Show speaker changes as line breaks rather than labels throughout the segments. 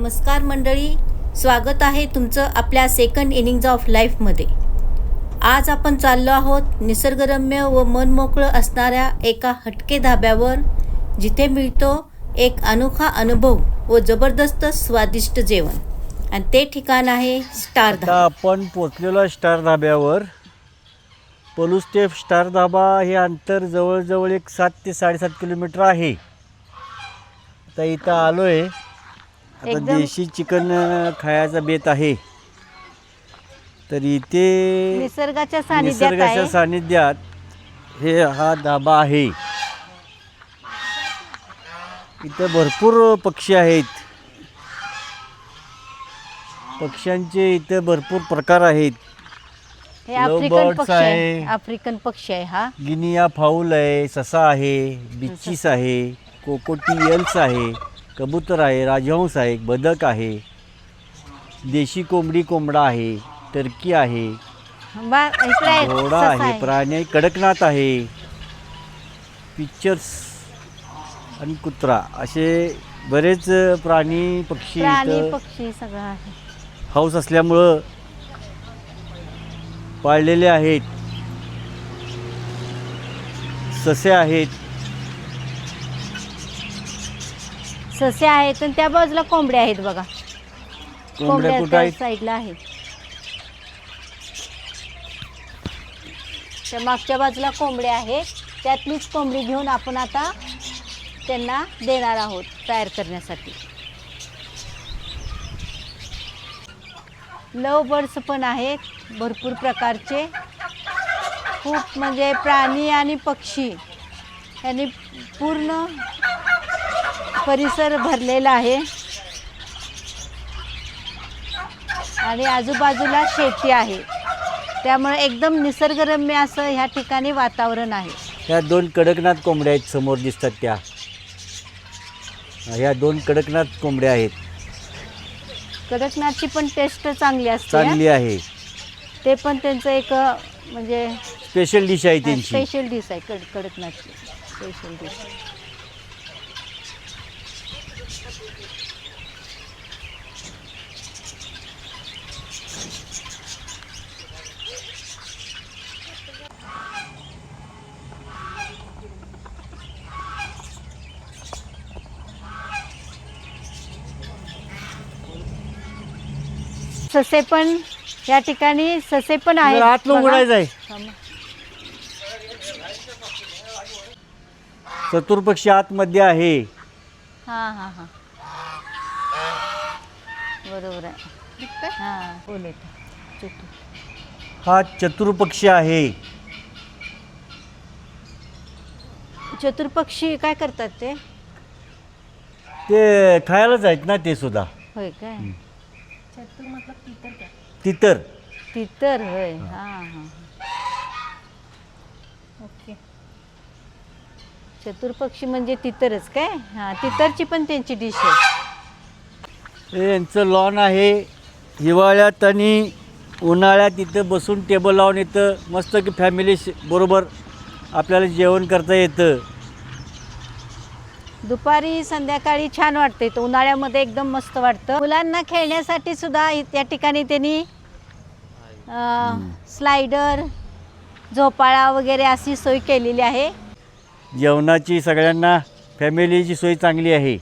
नमस्कार मंडळी, स्वागत आहे तुमचं आपल्या सेकंड इनिंग्ज ऑफ लाईफमध्ये। आज आपण चाललो आहोत निसर्गरम्य व मनमोकळं असणाऱ्या एका हटके धाब्यावर, जिथे मिळतो एक अनोखा अनुभव व जबरदस्त स्वादिष्ट जेवण, आणि ते ठिकाण आहे स्टार धाबा।
आपण पोचलेलो स्टार धाब्यावर। पलूस ते स्टार धाबा हे अंतर जवळजवळ एक 7 ते 7.5 किलोमीटर आहे। आता इथं आलोय, आता देशी चिकन खायचा बेत आहे। तर इथे
निसर्गाच्या
सानिध्यात हे हा धाबा आहे। इथं भरपूर पक्षी आहेत, पक्ष्यांचे इथे भरपूर प्रकार आहेत।
हे आफ्रिकन पक्षी आहे हा।
गिनिया फाऊल आहे, ससा आहे, बिच्चीस आहे, कोकोटियल्स आहे, कबूतर आहे, राजहंस आहे, बदक आहे, देशी कोंबडा आहे, टर्की आहे, घोडा आहे, प्राणी कडकनाथ आहे, पिक्चर्स आणि कुत्रा, असे बरेच प्राणी पक्षी
सगळं आहे।
हाऊस असल्यामुळं पाळलेले आहेत। ससे आहेत
आणि त्या बाजूला कोंबड्या आहेत बघा।
कोंबड्या कुठे आहेत?
साईडला आहेत, त्या मागच्या बाजूला कोंबड्या आहेत। त्यातलीच कोंबडी घेऊन आपण आता त्यांना देणार आहोत तयार करण्यासाठी। लव बर्ड्स पण आहेत भरपूर प्रकारचे, खूप म्हणजे प्राणी आणि पक्षी यांनी पूर्ण परिसर भरलेला आहे, आणि आजूबाजूला शेती आहे, त्यामुळे एकदम निसर्गरम्य असं ह्या ठिकाणी वातावरण आहे।
ह्या 2 कडकनाथ कोंबड्या आहेत समोर दिसतात त्या, ह्या 2 कडकनाथ कोंबड्या आहेत।
कडकनाथची पण टेस्ट चांगली
आहे।
ते पण त्यांचं एक म्हणजे
स्पेशल डिश आहे त्यांची।
स्पेशल डिश आहे कडकनाथची स्पेशल डिश। ससे पण या ठिकाणी ससे पण आहेत।
आत उघडायचं आहे। चतुर्पक्षी आतमध्ये आहे।
हां हां हां, बरोबर आहे। हां, बोलत
हा चतुर्पक्षी आहे।
चतुर्पक्षी काय करतात ते?
ते खायलाच आहेत ना ते सुद्धा।
होय काय?
तितर
होय। हां हां, ओके। चतुर्पक्षी म्हणजे तितरच काय? हां, तितरची पण त्यांची डिश आहे।
हे यांचं लॉन आहे। हिवाळ्यात आणि उन्हाळ्यात इथं बसून टेबल लावून इथं मस्त की फॅमिली बरोबर आपल्याला जेवण करता येतं।
दुपारी संध्याकाळी छान वाटतं इथं, उन्हाळ्यामध्ये एकदम मस्त वाटतं। मुलांना खेळण्यासाठी सुद्धा या ठिकाणी त्यांनी स्लायडर, झोपाळा वगैरे अशी सोय केलेली आहे।
जेवणाची सगळ्यांना फॅमिलीची सोय चांगली आहे।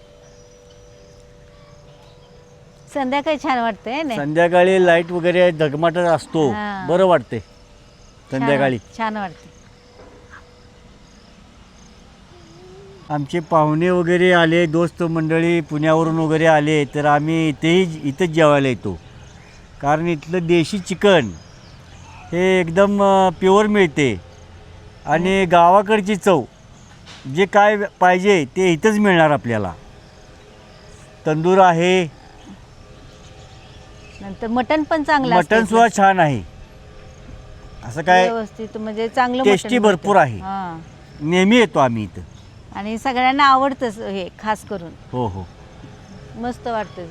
संध्याकाळी छान वाटतंय ना,
संध्याकाळी लाईट वगैरे झगमट असतो, बरं वाटते संध्याकाळी,
छान वाटते।
आमचे पाहुणे वगैरे आले, दोस्त मंडळी पुण्यावरून वगैरे आले, तर आम्ही इथंच जेवायला येतो, कारण इथलं देशी चिकन हे एकदम प्युअर मिळते, आणि गावाकडची चव जे काय पाहिजे ते इथंच मिळणार आपल्याला। तंदूर आहे,
नंतर मटण पण चांगलं,
मटण सुद्धा छान आहे, असं काय
व्यवस्थित म्हणजे चांगलं
टेस्टी भरपूर आहे। नेहमी येतो आम्ही इथं,
आणि सगळ्यांना आवडतं हे खास करून।
हो हो,
मस्त वाटतं।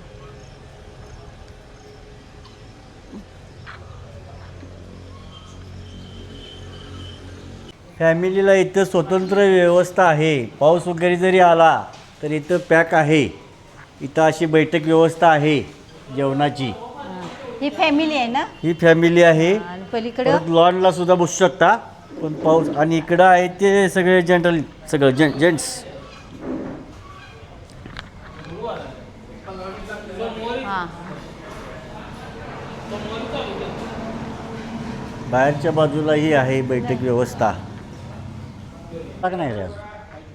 फॅमिलीला इथं स्वतंत्र व्यवस्था आहे। पाऊस वगैरे जरी आला तर इथं पॅक आहे, इथं अशी बैठक व्यवस्था आहे जेवणाची.
ही फॅमिली आहे ना?
ही फॅमिली आहे.
आणि पलीकडं
परत लॉनला सुद्धा बसू शकता. पण पाऊस आणि इकडं आहे ते सगळे जनरल सगळं जेंट्स.
हां
बाहेरच्या बाजूलाही आहे बैठक व्यवस्था. नाही रे अजून.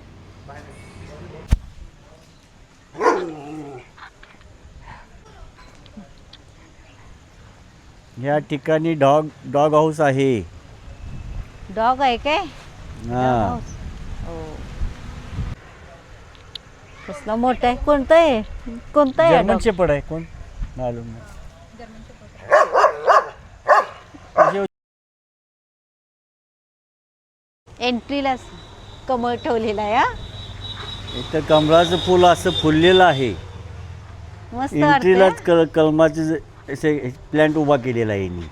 या ठिकाणी डॉग हाऊस आहे.
डॉग आहे काय?
हां
हो. कसला मोठा आहे? कोणतं आहे? कोणतं आहे
जर्मन
dog?
शेपर्ड आहे. कोण मालूम नाही.
एंट्रीलाच कमळ ठेवलेला आहे. हा
इथं कमळाचं फुल असं फुललेलं आहे.
मस्त
एंट्रीलाच
वाटतं.
कलमाचे असे प्लॅन्ट उभा केलेला आहे यांनी.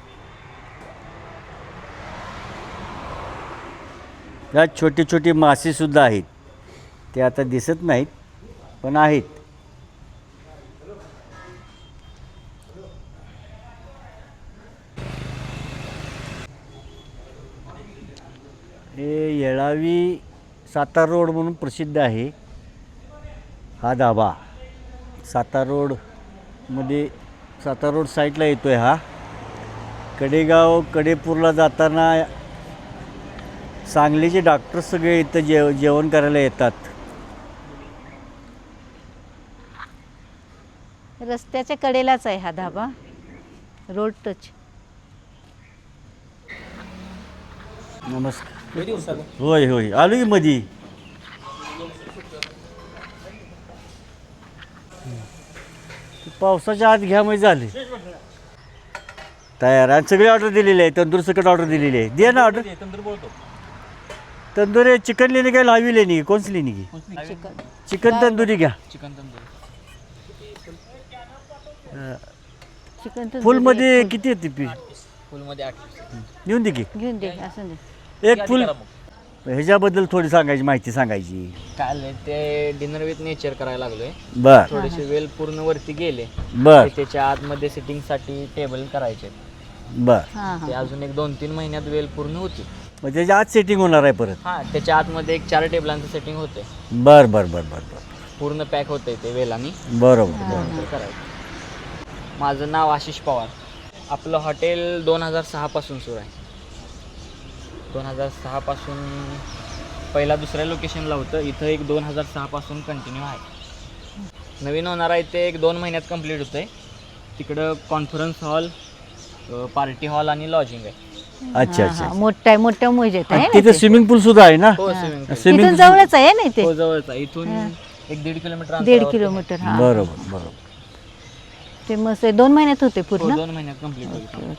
यात छोटे छोटे मासे सुद्धा आहेत. ते आता दिसत नाहीत पण आहेत. हे येळावी सातारा रोड म्हणून प्रसिद्ध आहे हा धाबा. सातारा रोड साईडला येतो आहे हा. कडेगाव कडेपूरला जाताना सांगलीचे डॉक्टर सगळे इथं जेवण करायला येतात.
रस्त्याच्या कडेलाच आहे हा धाबा. Road touch.
नमस्कार. होय होय आलो की मधी. पावसाच्या आत घ्या म्हणजे झाले तयार. आणि सगळी ऑर्डर दिलेली आहे. तंदूर सकट ऑर्डर दिलेली आहे. दे ना ऑर्डर. तंदूर चिकन लेणे काय लावी लेणी कोणच लेणी की चिकन तंदुरी घ्या.
चिकन
फुलमध्ये किती येते पीस?
फुलमध्ये 8
घेऊन दे की
घेऊन दे. असं दे.
एक फुल. ह्याच्याबद्दल थोडी सांगायची माहिती सांगायची.
काल ते डिनर विथ नेचर करायला लागलोय.
बर
थोडेसे वेल पूर्ण वरती गेले.
बर
ते त्याच्या आतमध्ये सिटिंग साठी टेबल करायचे.
बर.
हां
ते
हां.
अजून एक 2-3 महिन्यात वेल पूर्ण होती.
मग त्याच्या आत सेटिंग होणार आहे परत.
हा त्याच्या आतमध्ये एक 4 टेबलांचं सेटिंग होते.
बर बर बर बर बर.
पूर्ण पॅक होते ते वेलानी.
बरोबर.
तर करायचं. माझं नाव आशिष पवार. आपलं हॉटेल 2006 पासून सुरू आहे. 2006 पासून पहिला दुसऱ्या लोकेशनला होतं. इथं एक 2006 पासून कंटिन्यू आहे. नवीन होणार आहे ते एक 2 महिन्यात कंप्लीट होतं आहे. तिकडं कॉन्फरन्स हॉल, पार्टी हॉल आणि लॉजिंग आहे.
अच्छा
हां,
अच्छा.
हां. मोठा आहे. मोठ्या मुजेत आहे ना
तिथे
ते?
स्विमिंग पूल सुद्धा आहे ना?
हो स्विमिंग पूल.
स्विमिंग
इथून जवळच आहे ना ते?
हो जवळच आहे. इथून 1-1.5 किलोमीटर
1.5 किलोमीटर. हा
बरोबर बरोबर.
ते मस्त आहे. 2 महिन्यात होते पूर्ण.
2 महिन्यात कंप्लीट होईल.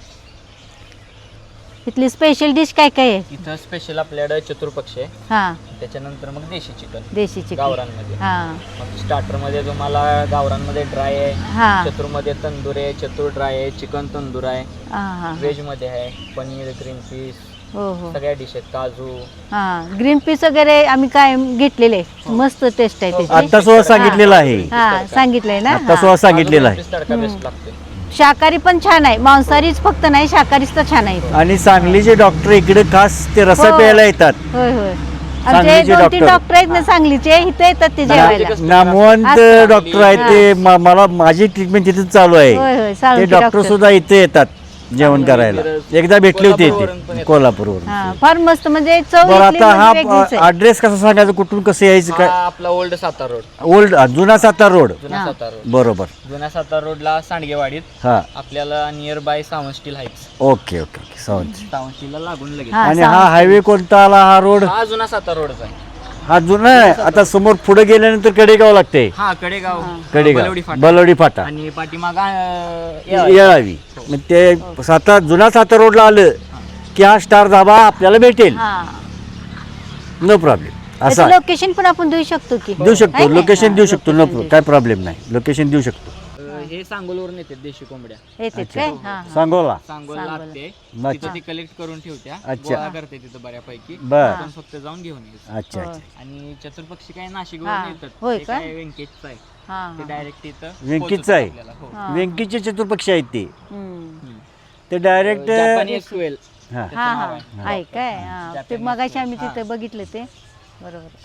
इथली स्पेशल डिश काय काय आहे?
इथं स्पेशल आपल्याकडे चतुर्पक्ष आहे.
हां
त्याच्यानंतर मग देशी चिकन
देशी चिकन.
गावरानमध्ये.
हां
मग स्टार्टरमध्ये तुम्हाला गावरानमध्ये ड्राय आहे,
हां
चतुरमध्ये तंदूर आहे, चतुर ड्राय आहे, चिकन तंदूर आहे,
हां हां.
व्हेजमध्ये आहे पनीर, ग्रीन पीस,
हो हो.
सगळ्या डिश आहेत, काजू.
हां ग्रीन पीस वगैरे आम्ही काय घेतलेले. मस्त टेस्ट आहे त्याची.
आता सुद्धा सांगितलेलं आहे.
हां सांगितलंय ना.
आता सुद्धा सांगितलेलं आहे.
काजू तडका बेस्ट लागते.
शाकाहारी पण छान आहे. मांसाहारीच फक्त नाही, शाकाहारीच तर छान आहे.
आणि सांगलीचे डॉक्टर इकडे खास ते रस्सा
हो.
प्यायला येतात.
होय होय. आमचे
सांगलीचे
2-3
डॉक्टर.
डॉक्टर आहेत ना सांगलीचे, इथे येतात ते जेवायला.
नामवंत
असं.
डॉक्टर आहेत ते. मला माझी ट्रीटमेंट तिथेच चालू आहे.
होय होय.
ते
सांगलीचे
डॉक्टर
डॉक्टर.
सुद्धा इथे येतात जेवण करायला. एकदा भेटले होते
कोल्हापूरवरून पण
इथे
येतात.
कोल्हापूरवरून.
हां फार मस्त म्हणजे चव
बरं
इथली
आता
म्हणजे
हा
वेगळीच आहे.
ॲड्रेस कसा सांगायचा कुठून कसं यायचं
हा
काय?
आपला ओल्ड सातारा रोड.
ओल्ड जुना सातारा रोड.
जुना
हा.
सातारा रोड.
बरोबर.
जुन्या सातारा रोडला सांडगेवाडीत
हा
आपल्याला near by Sawant steel heights.
Okay okay okay Sawant.
Sawant स्टीलला लागून लगेच.
हां,
आणि
सावंत
हा हायवे कोणता आला हा रोड?
हा जुना सातारा रोडच आहे.
हा जुना आहे. आता समोर पुढे गेल्यानंतर कडेगाव लागते.
हा कडेगाव,
कडेगाव
बलवडी फाटा.
बलवडी फाटा
आणि पाठीमाग
येळावी. मग ते जुना सातारा रोडला आलं की हा स्टार धाबा आपल्याला भेटेल.
हां
नो प्रॉब्लेम.
त्याचं
असा
लोकेशन पण आपण देऊ शकतो की?
देऊ शकतो.
आहे ना?
लोकेशन देऊ
हां,
शकतो.
location
नो
देऊ
काय प्रॉब्लेम नाही. लोकेशन देऊ शकतो.
हे सांगोलवरून येतात देशी कोंबड्या.
येते काय? हां हां.
सांगोला.
सांगोल लागते
अच्छा.
तिथं ती कलेक्ट करून ठेवत्या,
अच्छा.
गोळा करते तिथं बऱ्यापैकी,
बर.
आपण फक्त जाऊन घेऊन यायचं.
अच्छा
हो.
अच्छा.
आणि चतुर्पक्षी काय
हां.
नाशिकवरून येतात.
होय
ते
का?
काय व्यंकेशचं आहे,
हां
ते
हां.
डायरेक्ट इथं
व्यंकीचं
पोहोचवतात
आहे?
आपल्याला. हो.
हां.
व्यंकीचे चतुर्पक्षी आहेत ते.
हम्म.
ते डायरेक्ट
जपानी स्क्वेल.
हां
त्याचं
हां
नाव
हां
आहे.
आहे काय? हां ते
Japanese
मगाशी आम्ही
हां.
तिथे बघितलं ते. बरोबर.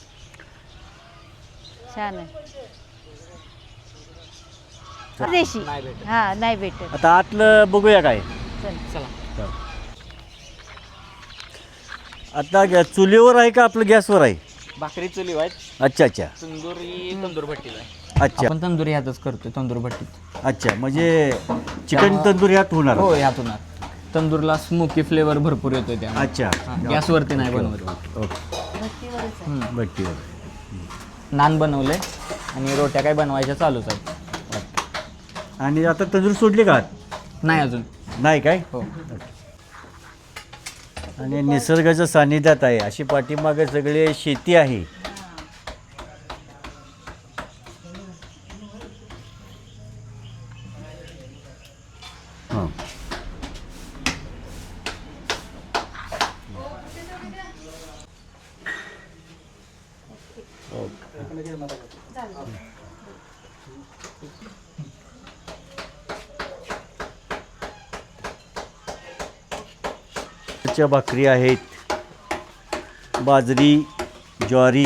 छान आहे. देशी.
नाही भेटत.
हां नाही भेटत.
आता आतलं बघूया काय.
चल.
चला.
आता चुलीवर आहे का आपलं गॅसवर आहे?
भाकरी चुली आहेत,
अच्छा अच्छा
तंदुरी तंदूर भट्टीला आहे.
अच्छा
आपण तंदुरी ह्यातच करतोय, तंदूर भट्टीत.
अच्छा. म्हणजे चिकन तंदूर ह्यात होणार.
हो ह्यातून तंदूरला स्मोकी फ्लेवर भरपूर येतोय त्या.
अच्छा.
गॅसवरती नाही बनवत.
ओके.
भट्टीवरच आहे.
हम्म.
भट्टीवर.
नान बनवले आणि रोट्या काय बनवायच्या चालूच आहेत.
आणि आता तंदूर सोडली का?
नाही अजून.
नाही काय?
हो.
आणि निसर्गाच्या सानिध्यात आहे, अशी पाठीमागे सगळे शेती आहे. हां. च्या भाकरी आहेत, बाजरी, ज्वारी,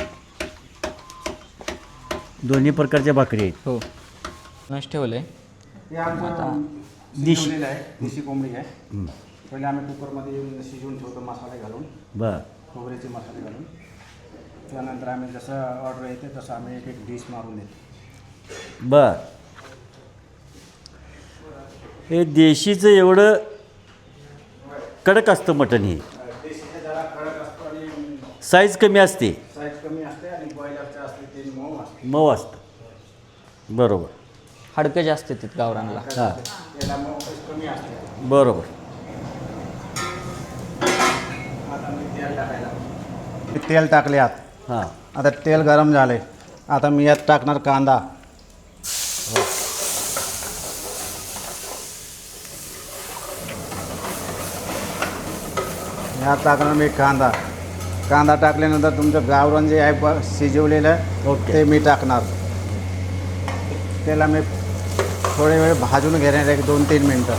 दोन्ही प्रकारच्या भाकरी आहेत.
हो. नस ठेवलंय.
हे आमचं शिजवलेलं आहे, देशी कोंबडी आहे. पहिले आम्ही कुकरमध्ये शिजवून ठेवतो मसाले घालून,
बर
खोबऱ्याचे मसाले घालून. त्यानंतर आम्ही जसं ऑर्डर येते तसं आम्ही एक एक डिश मारून देतो.
बर. हे देशीचं एवढं कडक असतं मटण. हे
देशीचं जरा कडक असतो आणि
साईज कमी असते,
साईज कमी असते, आणि बॉयलरचं असते ते मऊ असते.
मऊ असतं. बरोबर.
हाडकं जास्त येतात गावरानला.
हां
त्याला मऊ कमी असते.
बरोबर.
आता मी तेल टाकायला, तेल टाकले आत.
हां
आता तेल गरम झाले. आता मी यात टाकणार कांदा. यात टाकणार मी कांदा. कांदा टाकल्यानंतर तुमचं गावरान जे आहे शिजवलेलं
ओके.
ते मी टाकणार. त्याला मी थोडे वेळ भाजून घेणार, एक 2-3 मिनटं.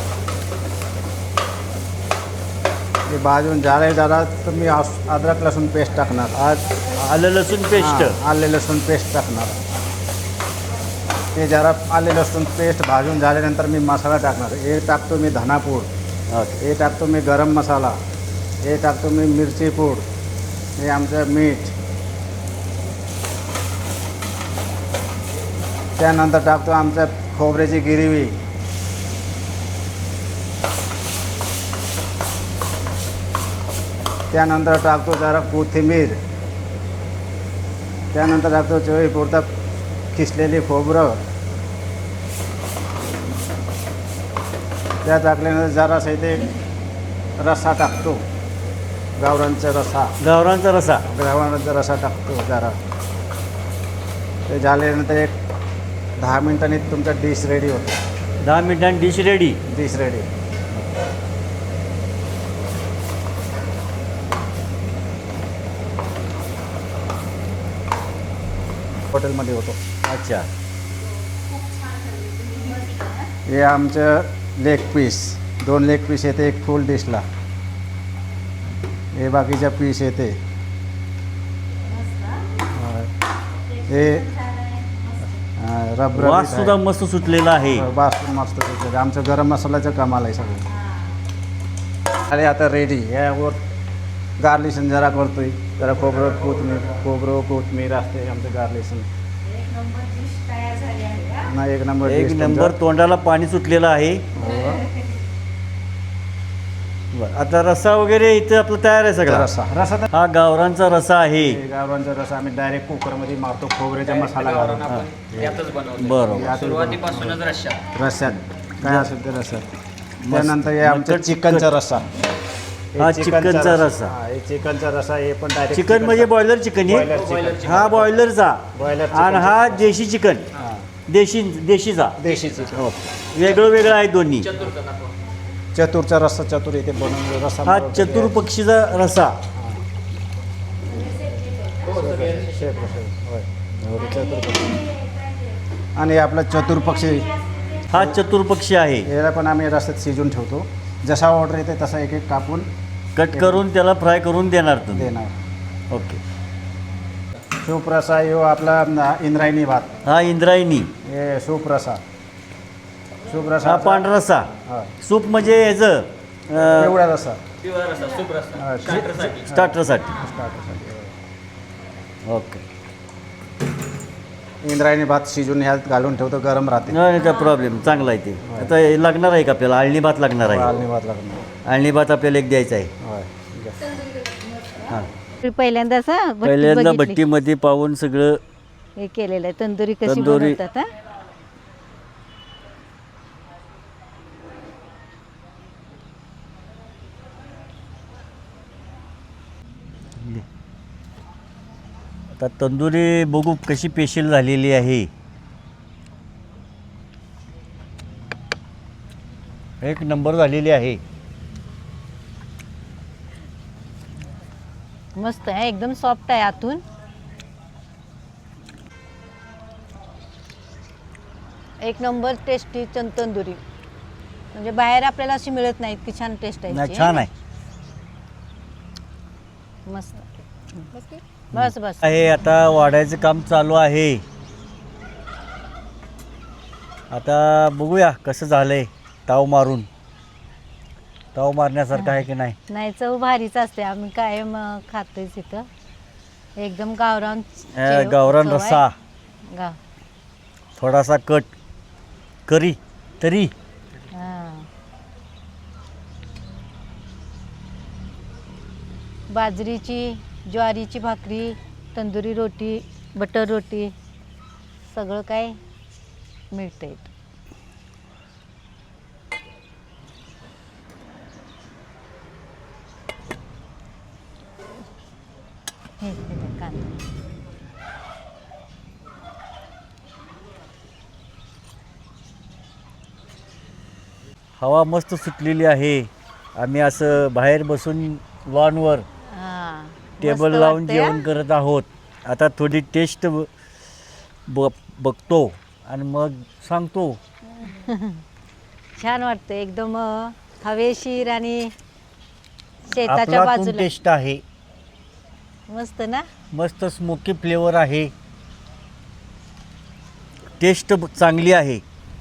ते भाजून झाले जरा तर मी अद्रक लसूण पेस्ट टाकणार.
आज आलं लसूण पेस्ट.
हां, आले लसूण पेस्ट टाकणार. ते जरा आले लसूण पेस्ट भाजून झाल्यानंतर मी मसाला टाकणार. हे टाकतो मी धनापूड,
ओके.
हे टाकतो मी गरम मसाला, हे टाकतो मी मिरची पूड, हे आमचं मीठ. त्यानंतर टाकतो आमचं खोबऱ्याची गिरवी. त्यानंतर टाकतो जरा कोथिंबीर. त्यानंतर टाकतो चवीपुरता किसलेली खोबरं. त्या टाकल्यानंतर जरासा इथे रस्सा टाकतो, गावरानचा रस्सा.
गावरानचा रसा.
गावरानचा रस्सा टाकतो जरा. ते झाल्यानंतर एक 10 मिनिटांनी तुमचा डिश रेडी होतो.
10 मिनिटांनी डिश रेडी.
Dish ready. हॉटेलमध्ये होतो.
अच्छा.
हे आमचं लेग पीस, 2 लेग पीस येते एक फुल डिशला. हे बाकीच्या पीस येते. हे रबर
वास सुद्धा मस्त सुटलेला आहे.
बास मस्त सुटलेलं. आमचं गरम मसाल्याचं कमाल आहे सगळं. आणि आता रेडी. यावर गार्लिशन जरा करतोय, जरा खोबरं कोथमीर असते आमचं गार्लिशन. नाही, एक नंबर
एक
dish
नंबर.
तुमचा.
तोंडाला पाणी सुटलेलं आहे.
हो.
बरं. आता रस्सा वगैरे इथं आपलं तयार आहे सगळा.
रसा तर
हा गावरांचा रसा आहे.
गावरांचा रसा आम्ही डायरेक्ट कुकरमध्ये मारतो, खोबऱ्याचा मसाला
गावरान
घालून.
आपण यातच बनवतो.
बरोबर.
सुरुवातीपासूनच रश्शात.
रस्स्यात काय असेल ते रस्स्यात. त्यानंतर हे आमचं
मटण-
चिकनचा रस्सा. हे
हा, चिकनचा रस्सा.
हा, हे चिकनचा रस्सा. हे पण डायरेक्ट
चिकन म्हणजे बॉयलर चिकन
बॉयलर
आहे.
चिकन.
हा बॉयलरचा.
बॉयलर
आणि
चिकन.
हा देशी चिकन.
हा.
देशीचा
देशीची हो.
वेगळं वेगळं आहे दोन्ही.
चतुरचा रस्सा चतुर इथे बनवून रस्सा
हा
बनवलेला आहे.
चतुर्पक्षीचा रसा.
होय चतुर्पक्षी. आणि आपला चतुर्पक्षी
हा चतुर्पक्षी आहे.
याला पण आम्ही रस्त्यात शिजून ठेवतो. जसा ऑर्डर येते तसा एक एक कापून
कट करून त्याला फ्राय करून देणार तुम्ही.
देणार.
ओके.
सुप्रसा यो आपला इंद्रायणी भात.
हा इंद्रायणी.
हे सुप्रसा.
हा
सुप्रसा
पांढरा रसा.
हा
सूप म्हणजे ह्याचं
एवढा रस्सा हा,
स्टार्टरसाठी.
स्टार्टरसाठी.
ओके.
इंद्रायणी भात शिजून ह्यात घालून ठेवतो, गरम राहते.
नाही काय प्रॉब्लेम, चांगला आहे ते. आता हे लागणार आहे का आपल्याला? आळणी भात लागणार आहे.
आळणी भात लागणार.
आळणी भात आपल्याला एक द्यायचा आहे.
होय.
हां
पहिल्यांदाच
पहिल्यांदा भट्टीमध्ये पाहून सगळं
हे केलेलं आहे. तंदुरी कशी
तंदुरी.
बनवतात हा?
आता तंदुरी बघू कशी स्पेशल झालेली आहे. एक नंबर झालेली आहे.
मस्त आहे, एकदम सॉफ्ट आहे आतून. एक नंबर टेस्टी तंदुरी. म्हणजे बाहेर आपल्याला अशी मिळत नाही इतकी छान टेस्ट आहे
नाही
याची.
छान आहे.
मस्त. बस बस.
आहे आता वाढायचं काम चालू आहे. आता बघूया कसं झालंय. ताव मारून ताव मारण्यासारखं आहे की नाही.
नाही, चव भारीच असते. आम्ही कायम खातोय इथं. एकदम गावरान
गावरान
चव आहे.
रस्सा,
गाव.
थोडासा कट करी तरी.
हां. बाजरीची, ज्वारीची भाकरी, तंदुरी रोटी, बटर रोटी, सगळं काय मिळतं इथं. हे कांदा.
हवा मस्त सुटलेली आहे. आम्ही असं बाहेर बसून लॉनवर
हां.
टेबल
मस्त
लावून
वाटतंय,
जेवण करत आहोत. आता थोडी टेस्ट बघतो आणि मग सांगतो.
छान वाटतं एकदम हवेशीर आणि शेताच्या
आपला
बाजूला.
टेस्ट आहे.
मस्त ना.
मस्त स्मोकी फ्लेवर आहे. टेस्ट चांगली आहे.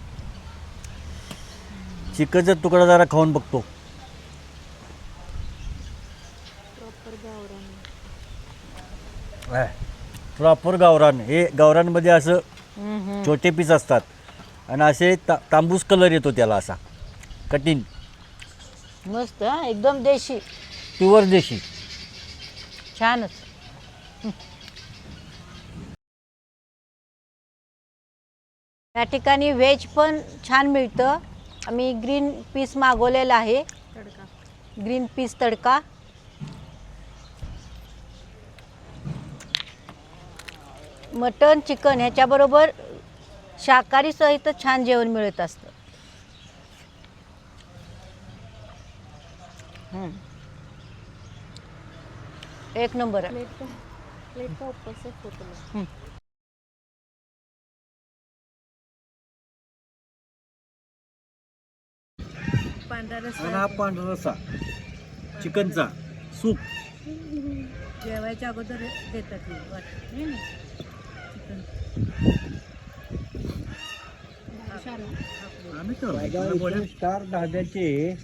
चिकनचा तुकडा जरा खाऊन बघतो. प्रॉपर गावरान. हे गावरानमध्ये असं छोटे पीस असतात आणि असे तांबूस कलर येतो त्याला, असा कठीण.
मस्त हा, एकदम देशी.
प्युअर देशी.
छानच. या ठिकाणी व्हेज पण छान मिळतं. आम्ही ग्रीन पीस मागवलेला आहे. Green peas tadka. Mutton, chicken ह्याच्याबरोबर शाकाहारी सहित छान जेवण मिळत असतं. एक नंबर आहे.
आणि हा पांढरा रस्सा चिकनचा सूप.
जेवायच्या अगोदर देतात.
स्टार ढाब्याचे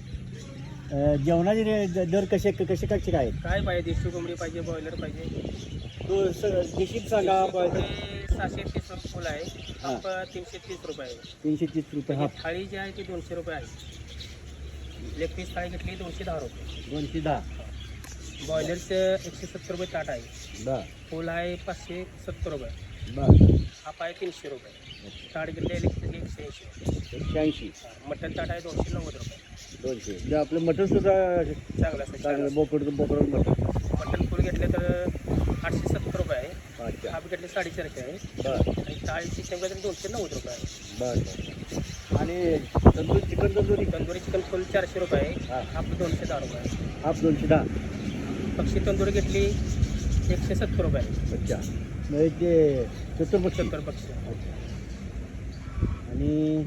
जेवणाचे दर कसे कसे कसे काय आहेत?
काय पाहिजे? देशी कोंबडी पाहिजे, बॉयलर पाहिजे?
देशीत सांगा.
ते 730 रुपये फुल आहे. हाफ 330 रुपये आहे.
330 रुपये हा.
थाळी जी आहे ती 200 रुपये आहे. लेग पीस थाळी घेतली 210 रुपये.
210.
बॉयलरचं 170 रुपये ताट आहे.
बर
फुल आहे 570 रुपये.
बर.
हाफ आहे 300 रुपये. ताट घेतले 180.
180.
मटन ताट आहे 290 रुपये.
200. आपलं मटन सुद्धा
चांगलं असतं.
चांगलं. बोकड मटन.
मटन फुल घेतले तर 870 रुपये आहे.
अच्छा.
हा बिघडले 450 रुपये आहे
बरं
आणि थाळीची शेंगा तर 290 रुपये आहे.
बरं आणि tandoor chicken tandoori
tandoori chicken full 400 रुपये आहे.
हां.
आपलं 210 रुपये आहे.
हाफ 210.
पक्षी तंदुरी घेतली 170 रुपये आहे.
अच्छा म्हणजे ते चतुर्भुज
70 पक्षी.
आणि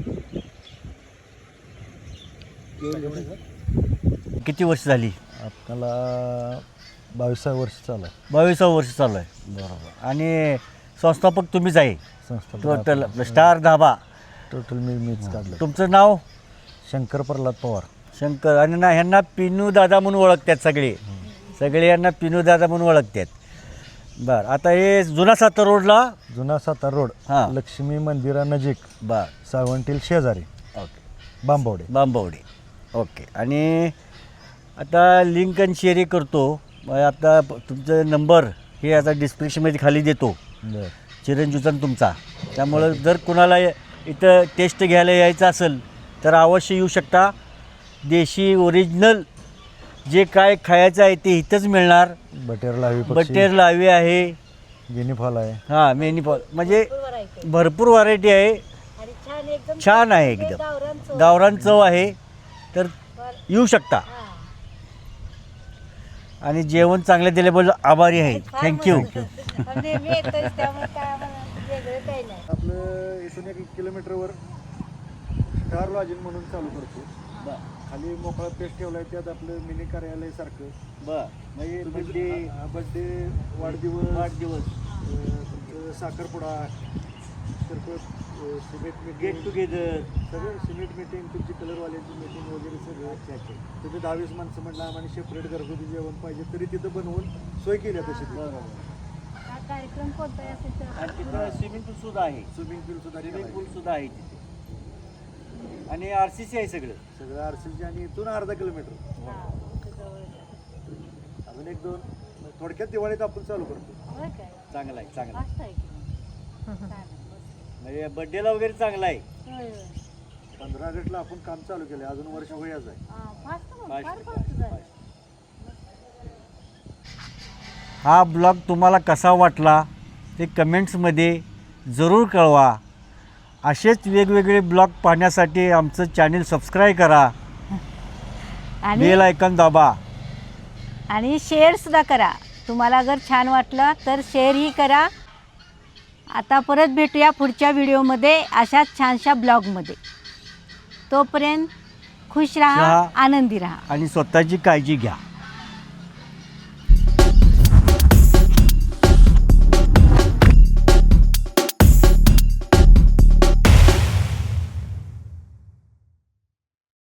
किती वर्ष झाली?
आपल्याला 22 वर्ष चालू आहे
22 वर्ष चालू आहे. बरोबर. आणि संस्थापक तुम्हीच आहे
संस्था
टोटल स्टार धाबा.
टोटल मीच काढलं.
तुमचं नाव?
शंकर प्रल्हाद पवार.
शंकर. आणि ना ह्यांना पिनू दादा म्हणून ओळखतात सगळे यांना पिनू दादा म्हणून ओळखतात. बरं. आता हे जुना सातारा रोडला
जुना सातारा रोड
हां.
लक्ष्मी मंदिरानजीक
बरं.
सावंटील शेजारी
ओके.
बांबवडे.
बांबवडे. ओके. आणि आता लिंक आणि शेअर करतो. आता तुमचा नंबर हे आता डिस्क्रिप्शनमध्ये खाली देतो,
बरं.
चिरंजीवचा आणि तुमचा. त्यामुळं जर कुणाला इथं टेस्ट घ्यायला यायचं असेल तर अवश्य येऊ शकता. देशी ओरिजिनल जे काय खायचं आहे ते इथंच मिळणार.
बटेर लावी
बटेर लावी आहे,
गिनी फॉल आहे.
हां मेनी फॉल, म्हणजे भरपूर व्हरायटी आहे. छान आहे एकदम, गावरान चव आहे. तर येऊ शकता. आणि जेवण चांगलं दिल्याबद्दल आभारी आहे. थँक्यू.
आपलं इथून 1 किलोमीटरवर स्टार लॉजिंग म्हणून चालू करतो. खाली मोकळा पेस्ट ठेवला आहे, त्यात आपलं मिनी कार्यालय सारखं.
बरं. म्हणजे
बड्डे वाढदिवस तुमचं साखरपुडा सिमेंट
गेट टुगेदर
सगळं सिमेंट मीटिंग, तुमची कलरवाल्यांची मीटिंग वगैरे सगळं. तुम्ही 10-20 माणसं म्हटलं आम्हाला सेपरेट घरगुती जेवण पाहिजे तरी तिथं बनवून सोय केली तशी.
कार्यक्रम कोणता
आणि तिथं स्विमिंग पूल सुद्धा आहे.
स्विमिंग पूल
सुद्धा आहे तिथे. आणि RCC आहे सगळं
RCC. आणि इथून अर्धा किलोमीटर अजून 1-2 थोडक्यात दिवाळीत आपण चालू करतो.
चांगला आहे. म्हणजे बड्डेला वगैरे चांगला आहे.
15 ऑगस्टला आपण काम चालू केलं, अजून वर्ष होईच आहे.
हा ब्लॉग तुम्हाला कसा वाटला ते कमेंट्समध्ये जरूर कळवा. असेच वेगवेगळे ब्लॉग पाहण्यासाठी आमचं चॅनल सबस्क्राईब करा, बेल आयकॉन दाबा
आणि शेअरसुद्धा करा. तुम्हाला अगर छान वाटलं तर शेअरही करा. आता परत भेटूया पुढच्या व्हिडिओमध्ये अशाच छानशा ब्लॉगमध्ये. तोपर्यंत खुश राहा, आनंदी राहा
आणि स्वतःची काळजी घ्या.